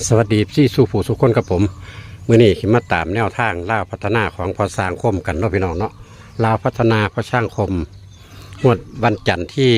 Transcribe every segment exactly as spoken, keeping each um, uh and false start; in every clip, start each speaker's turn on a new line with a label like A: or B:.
A: สวัสดีพี่สู่ผู้สุขคนกับผมมื่อนี้ขิมาตามแนวทางล่าพัฒนาของพอสร้างคมกันเนาะพี่น้องเนาะล่าพัฒนาพอช่างคมงวดวันจันทร์ที่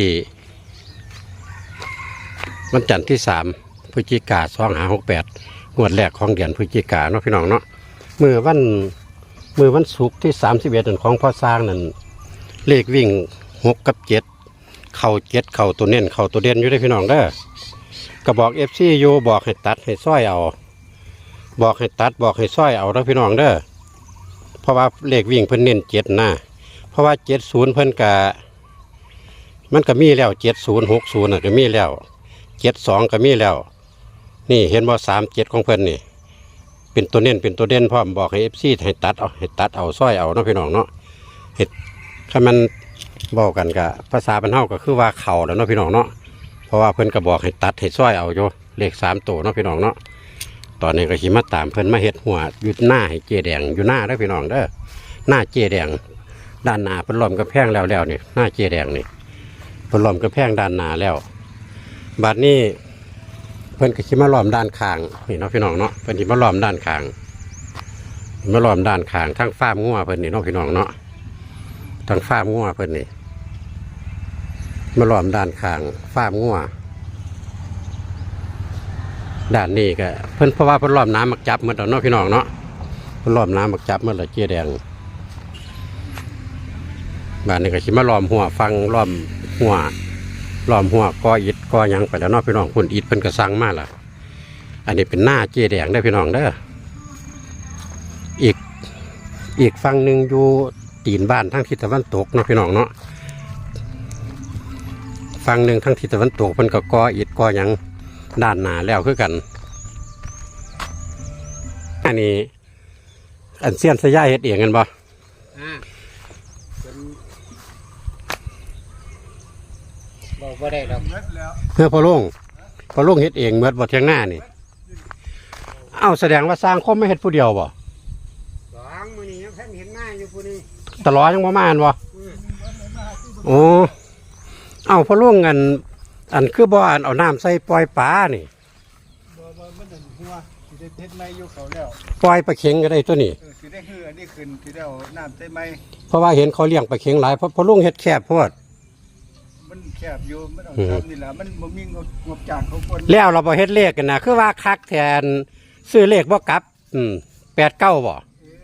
A: วันจันทร์ที่สามพฤศจิกาสองหาหกแปดงวดแรกของเดือนพฤศจิกาเนาะพี่น้องเนาะมือวันมือวันศุกร์ที่สามสิบเอ็ดของพอสร้างนั่นเลขวิ่งหกกับเจ็ดเข่าเจ็ดเข่าตัวเน้นเข่าตัวเด่นอยู่ได้พี่น้องเด้อกระบอกเอฟซีโยบอกให้ตัดให้ซ้อยเอาบอกให้ตัดบอกให้ซ้อยเอาแล้วพี่น้องเด้อเพราะว่าเลขวิ่งเพิ่นเน้นเจ็ดนะเพราะว่าเจ็ดศูนย์เพิ่นกะมันก็มีแล้วเจ็ดศูนย์หกศูนย์ก็มีแล้วเจ็ดสองก็มีแล้วนี่เห็นว่าสามเจ็ดของเพิ่นนี่เป็นตัวเน้นเป็นตัวเด่นพร้อมบอกให้เอฟซีให้ตัดเอาให้ตัดเอาซ้อยเอาเนาะพี่น้องเนาะเห็ดถ้ามันบอกกันกะภาษาบรรเทาก็คือว่าเข่าแล้วเนาะพี่น้องเนาะเพราะว่าเพิ่นก็บอกให้ตัดให้ซ้อยเอาโยเลขสามตัวเนาะพี่น้องเนาะตอนนี้ก็ขี่มาตามเพิ่นมาเฮ็ดหัวอยู่หน้าให้เจแดงอยู่หน้าเด้อพี่น้องเด้อหน้าเจแดงด้านหน้าเพิ่นล้อมกระแพงแล้วแล้วนี่หน้าเจแดงนี่เพิ่นล้อมกระแพงด้านหน้าแล้วบัดนี้เพิ่นก็ขี่มาล้อมด้านข้างนี่เนาะพี่น้องเนาะเพิ่นขี่มาล้อมด้านข้างมาล้อมด้านข้างทั้งฟาร์มงัวเพิ่นนี่เนาะพี่น้องเนาะทั้งฟาร์มงัวเพิ่นนี่มาล้อมด้านข้างฟาร์มงัวด้านนี้ก็เพิ่นเพราะว่าเพิ่นล้อมน้ำมักจับเมื่อตอนน้องพี่น้องเนาะเพิ่นล้อมน้ำมักจับเมื่อละเจี๊ยแดงบ้านนี้ก็สิมาล้อมหัวฟังล้อมหัวล้อมหัวกออิฐกอหยังไปแล้วเนาะพี่น้องคุณอิฐเพิ่นก็สั่งมาล่ะอันนี้เป็นหน้าเจี๊ยแดงได้พี่น้องเด้ออีกอีกฝั่งหนึ่งอยู่ตีนบ้านทั้งทิศตะวันตกเนาะพี่น้องเนาะฝั่งหนึ่งทั้งทิศตะวันตกเพิ่นก็กออิฐกอหยังด้านหน้าแล้วคือกันอันนี้อันเสี้ยนสยายเฮ็ดเองกันบ่
B: บอกว่าได้ดอก
A: เพื่อพอลุงพอลุงเฮ็ดเองเมื่อบ่เที่ยงหน้านี่เอ้าแสดงว่าสร้างคมไม่เฮ็ดผู้เดียวบ่
B: สองมื้อนี้ยังเพิ่นเห็นหน้าอยู่ผู้นี้
A: ตลอดยังบ่มาอันบ่โอ้เอ้าพอลุงอันอันคือบ่อันเอาน้ำใส่ปล่อยปลานี่
B: บ่บ่มันนั่นหัวสิได้เฮ็ดไม้อยู่เขาแล้ว
A: ปล่อยปลาเข็งก็ได้ตัวนี้
B: เออสิได้ฮืออันนี้ขึ้นสิได้เอาน้ำใส่ไม้
A: เพราะว่าเห็นเขาเลี้ยงปลาเข็งหลายเพราะพอลุงเฮ็ดแคบโพด
B: มันแคบอยู่มันเอาทำนี่ล่ะมันบ่มีงบงบจ้างเขาคน
A: แล้วเราบ่เฮ็ดเลขกันนะคือว่าคักแทนซื้อเลขบ่กลับอืมแปดเก้าบ่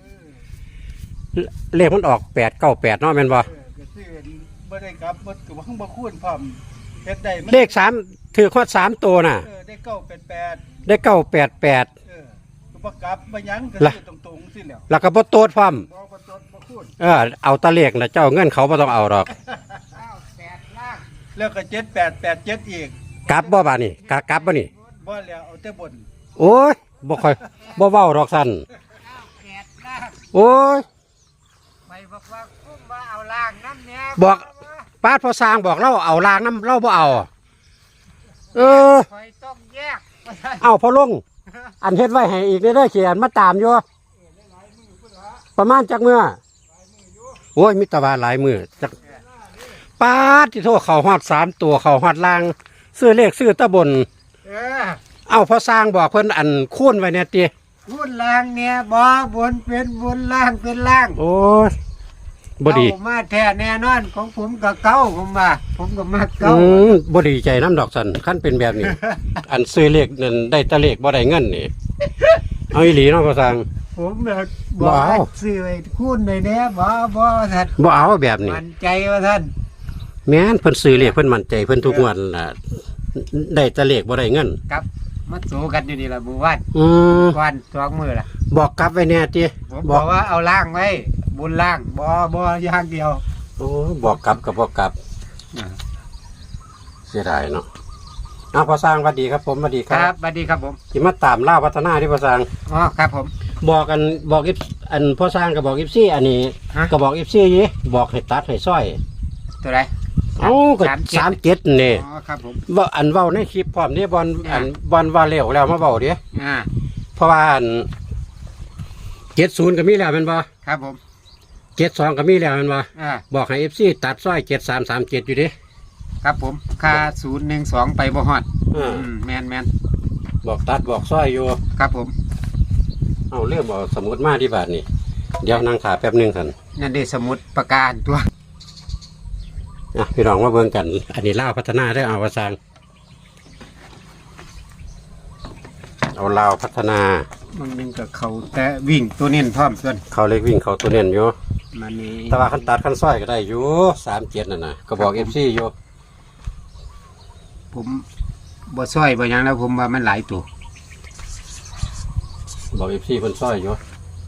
A: เลขมันออกแปดเก้าแปดเนาะแม่นบ่
B: เออก็ซื้อบ่ได้กลับบ่ก็บ่บ่คูณพร้อมเฮ็ดได้
A: เลขสามถือข้อสามตัวน่ะ
B: เออได้เก้าแปดแปด
A: ได้เก้าแปดแปด
B: เออก็บ่กลับบ่หยังก็ซื้อตรงๆสิแล้ว
A: แล้วก็บ่โตดพร้อม
B: บ่บ่ตดบ่คูณ
A: เออเอาตะเลขน่ะเจ้าเงินเขาบ่ต้องเอาดอก
B: แล้วก็เจ็ดแปดแปดเจ็ดอีก
A: กลับบ่บาดนี้กะกลับบ่นี่
B: บ่แล้วเอาแต่บน
A: โอ้ยบ่ค่อยบ่เว้าดอกซั่นโอ้ย
B: ไปบอกว่าคุ้มว่าเอาล่างน้ำเนี้ย
A: บอกป้าพอสร้างบอกเราเอาล้างน้ำเราบ่เอาเออ
B: คอยต้องแยก
A: เอาพอลงอันเฮ็ดไว้ให้อีกเด้อเขียนมาตามอยู่ประมาณจักมื้อโอ้ยมีตะวันหลายมื้อจักป้าที่โทษเขาฮอดสามตัวเขาฮอดล่างซื้อเลขซื้อตะบน
B: เออ
A: เอาพอสร้างบอกเพิ่นอันคูณไว้เนี่ยติ
B: คูณล่างเนี่ยบ่บนเป็นบนล่างเป็นล่าง
A: โอ้ยบ่ดี
B: มาแท้แน่นอนของผมก็เก้าผมว่าผมก็มาเก้า
A: อืมบ่ดีใจน้ำดอกสันขั้นเป็นแบบนี้ อันซื้อเลขนั่นได้ตะเลขบ่ได้เงินนี่เอาอีหลีเนาะพอสร้าง
B: ผมแบบบ่เอาซื้อไว้คูณได้แน่บ่บ่ท่าน
A: บ่เอาแบบนี้
B: มั่นใจว่าท่าน
A: แม่นเพิ่นซื้อเลขเพิ่นมั่นใจเพิ่นทุกงวดล่ะได้ตะเลขบ่ได้เงิน
B: ครับมาสู้กันอยู่นี่ล่ะหมู่บ้าน
A: อืม
B: วันสองมื้อล่ะ
A: บอกกลับไว้แน่ติ
B: ผมบอกว่าเอาล่างไว้บนล่างบ่บ่อย่างเดียว
A: โอ้บอกกลับกับบอกกลับเสียดายเนาะอ้าวพอสร้างสวัสดีครับผมสวัสดี
B: ครับสวัสดีครับผม
A: ที่มาตามล่าพัฒนาที่พอสร้าง
B: อ๋อครับผม
A: บอกกันบอกอิฟอันพอสร้างกับบอกอิฟซี่อันนี้ก็บอกอิฟซี่ยี่บอกให้ตัดให้ซ้อย
B: ตัวไหน
A: เอ้าก็สามเจ็ดนี่
B: อ๋อครับผม
A: ว่าอันเว้าในคลิปพร้อมนี่บอลอันบอลว่าเร็วแล้วมาเว้าดิ
B: อ่า
A: เพราะว่าอันเจ็ดศูนย์ก็มีแล้วเป็นบ่
B: ครับผม
A: เจ็ดสองก็มีแล้วเป็นบ่
B: อ่า
A: บอกให้เอฟซีตัดซ้อยเจ็ดสามสามเจ็ดอยู่ดิ
B: ครับผมค่าศูนย์หนึ่งสองไปบ่ฮอด
A: อืม
B: แมนแมน
A: บอกตัดบอกซ้อยอยู่
C: ครับผม
A: เอาเรื่องบอกสมุดมาที่บาทนี่เดี๋ยวนั่งขาแป๊บหนึงสัน
C: นั่นได้สมุดประการตัว
A: อ่ะพี่น้องมาเบิ่งกัน อันนี้ลาวพัฒนาได้อเอาวาซังเอาลาวพัฒนา
C: มันนึงกับเขาแต่วิ่งตัวเน้นพร้อมส่วน
A: เขาเล็กวิ่งเขาตัวเน้นอยู่
C: มันนี่
A: แต่ว่าขั้นตัดขั้นซ้อยก็ได้อยู่สามเจ็ดนั่นนะก็บอกเอฟซีอยู่
C: ผมบ่ซ้อยบ่หยังแล้วผมว่ามันหลายตัว
A: บอกเอฟซีเพิ่นซ้อยอยู่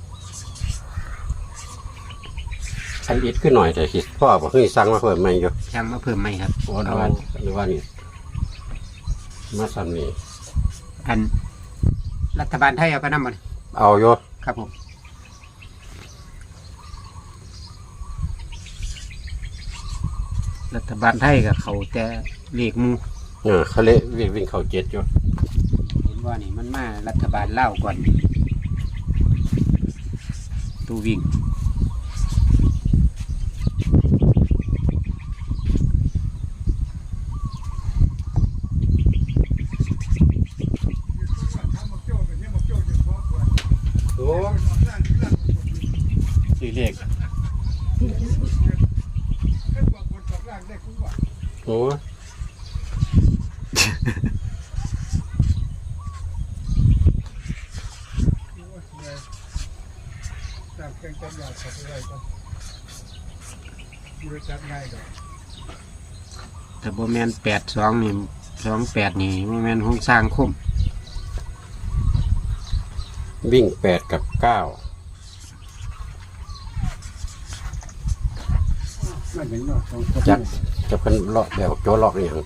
A: อันอิดขึ้นหน่อยแต่คิดพ่อบอกเฮ้ยสั่งมาเพิ่มใหม่อยู่
C: ช่างมาเพิ่มไหมครับ
A: โอ้หรือว่าหรือว่านี่มาซ้ำนี่
C: อันรัฐบาลไทยเอาไปนำมัน
A: เอาอยู่
C: ครับผม รัฐบาลไทยกับเขาแต่เลขหมู
A: เออเขาเละวิ่งวิ่งเขาเจ็ดอยู่
C: เห็นว่านี่มันมารัฐบาลเล่าวก่อนตัววิ่ง
A: โอ้สี่เลขโอ้
B: จากแกงจันยาขับไปไรก็บริษัทง่ายดอก
C: แต่โบแมนแปดสองนี่สองแปดนี่โบแมนห้องสร้างคุ้ม
A: วิ่งแปดกับเก้า
B: ไม่เห็นเนาะสองคน
A: จักจะเป็นเลาะแบบโจเลาะนี่ยัง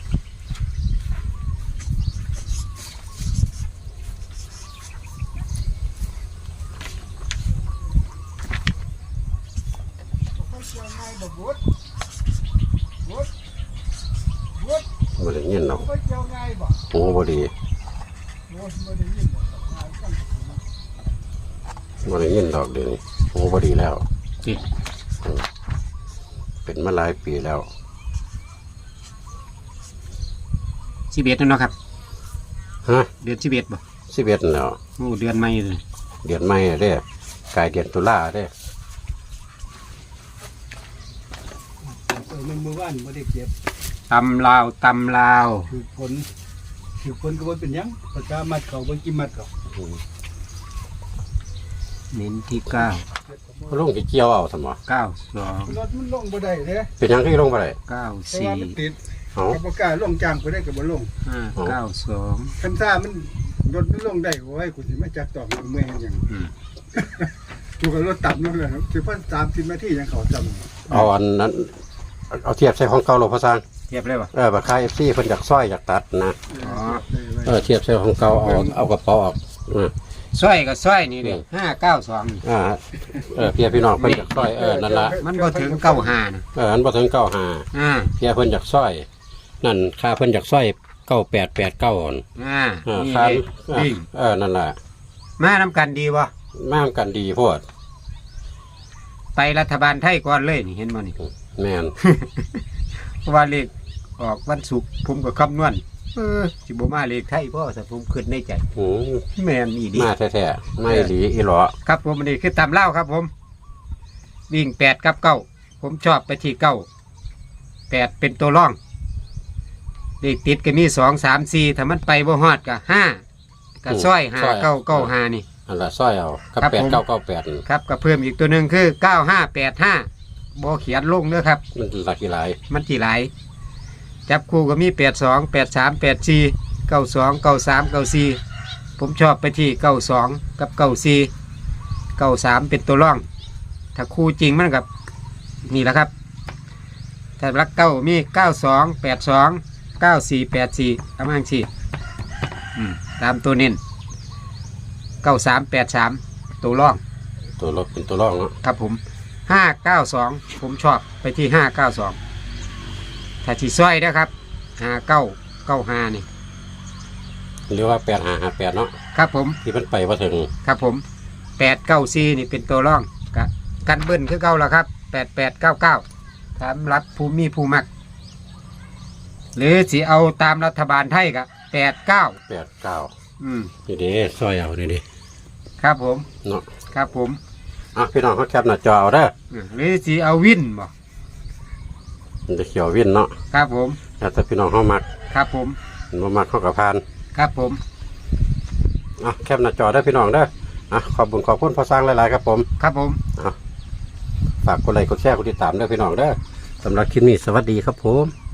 B: ง่ายแบบวุฒิวุฒิวุฒิ
A: บ่ได้ยินหรอก
B: ไม่เจียวง่ายบ่
A: โอ้บ่ดี
B: วุฒิไม่ได้ยินบ่ง่ายกัน
A: บ่ได้ยินดอกเดี๋ยวนี้โอ้บ่ดีแล้ว
C: จิ
A: เป็นมาหลายปีแล้ว
C: สิบเอ็ดเนาะครับ
A: ฮะ
C: เดือนสิบเอ็ดบ่
A: สิบเอ็ดแล้ว
C: โอ้เดือนใหม่เลย
A: เดือนใหม่เด้กลายเดือนตุลาเด้
B: เออมันเมื่อวานไม่ได้เก็บ
C: ตำลาวตำลาว
B: คือผลคือผลก็ว่าเป็นหยังประชามัดเขาบางกิมัดเขา
A: อืม
C: เน้นที่เก้า
A: เขาลงสิเกี่ยวเอาซั่นบ่
C: เก้าสอง
B: รถมันลงบ่ได้เด้
A: เป็นหยังคือลงบ่ได้
C: เก้า
B: เพราะ
C: สี่
B: ว่ามันติด
A: เอ้า
B: กับประกล้าลงจางไปได้กับบ่ลง
C: ห้าเก้าสอง
B: คันซ่ามันรถมันลงได้โอ้ยกูสิมาจักตอกเมื่อยหยัง
C: อืม
B: กูก็รถต่ำนั่นแหละครับสิพันสามสิบนาทียังเขาจำ
A: เอาอันนั้นเอาเทียบใส่ของเก่าโลกพระสร้าง
C: เทียบเลยบ่
A: เออบักคาย เอฟ ซี เพิ่นอยากซ้อยอยากตัดนะ
C: อ๋อ
A: เออเทียบใส่ของเก่าเอาเอากระเป๋าออกอ่า
C: สร้อยกับสร้อยนี่เด้ห้าเก้าสองนี่
A: อ่าเออเพียพี่น้องเพิ่นอยากซ้อยเออนั่นละ
C: มันบ่ถึงเก้าห้านะ
A: เอออันบ่ถึงเก้าห้า
C: อ่า
A: เพียเพิ่นอยากซ้อยนั่นค่าเพิ่นอยากซ้อยเก้าแปดแปดเก้าอ่อน
C: อ่า
A: เออ
C: นี่
A: ค่า
C: เด้
A: เออ
C: วิ่ง
A: เออนั่นล่ะ
C: มานำกันดีบ่
A: มามกันดีโพด
C: ไปรัฐบาลไทยก่อนเลยนี่เห็นบ่นี่
A: แม่น
C: เพราะว่าเลขออกวันศุกร์ผมก็คำนวณเออสิบ่มาเลขไทยพ่อแต่ผมคิดในใจ
A: หืม
C: แม่นอีดี
A: มาแท้ๆไม่หลีอีหลอ
C: ครับผมอันนี้คือตามเล่าครับผม วิ่งแปดกับเก้าผมชอบไปที่เก้าแปดเป็นตัวร่องเลขติดก็มีสองสามสี่ถ้ามันไปบ่ฮอดก็ห้าก็ซ้อยห้าเก้าเก้าห้านี่
A: อันละซ้อยเอากับ
C: ครับ
A: แปด
C: ผม
A: เก้าเก้าแปด
C: ครับก็เพิ่มอีกตัวหนึ่งคือเก้าห้าแปดห้าบ่เขียนลงเด้อครับ
A: มันหลักกี่หลาย
C: มันที่หลาย จับคู่ก็มีแปดสองแปดสามแปดสี่เก้าสองเก้าสามเก้าสี่ผมชอบไปที่เก้าสองกับเก้าสี่เก้าสามเป็นตัวร่อง ถ้าคู่จริงมันกับนี่แหละครับถ้ารักเก้ามีเก้าสองแปดสองเก้าสี่แปดสี่ประมาณสี่ตามตัวเน้นเก้าสามแปดสามตัวร่อง
A: ตัวรถเป็นตัวรองเนาะ
C: ครับผมห้าเก้าสองผมชอบไปที่ห้าเก้าสองถ้าที่ซ้อยนะครับห้าเก้าเก้าห้านี่
A: หรือว่าแปดห้าห้าแปดเนาะ
C: ครับผม
A: ที่มันไปว่าถึง
C: ครับผมแปดเก้าสี่นี่เป็นตัวร่องกะกันเบิ้ลคือเก้าแล้วครับแปดแปดเก้าเก้าสำหรับภูมิภูมัก หรือสิเอาตามรัฐบาลไทยกับแปดเก้า
A: แปดเก้า
C: อืม
A: นี่เด้ซอยเอานี่เด้
C: ครับผม
A: เนาะ
C: ครับผม
A: อ่ะพี่น้องเขาแคปหน้าจอเอาเด้อ
C: อืมหรือสิเอาวินบ่
A: มันจะเขียววินเนาะ
C: ครับผม
A: แล้วแต่พี่น้องเขามัก
C: ครับผม
A: บ่มักเขากับพาน
C: ครับผม
A: อ่ะแคปหน้าจอได้อพี่น้องเด้ออ่ะขอบคุญขอบคุณพอสร้างหลายๆครับผม
C: ครับผม
A: ฝากกดไลค์กดแชร์กดติดตามด้วยพี่น้องเด้อสำหรับคลิปนี้สวัสดีครับผม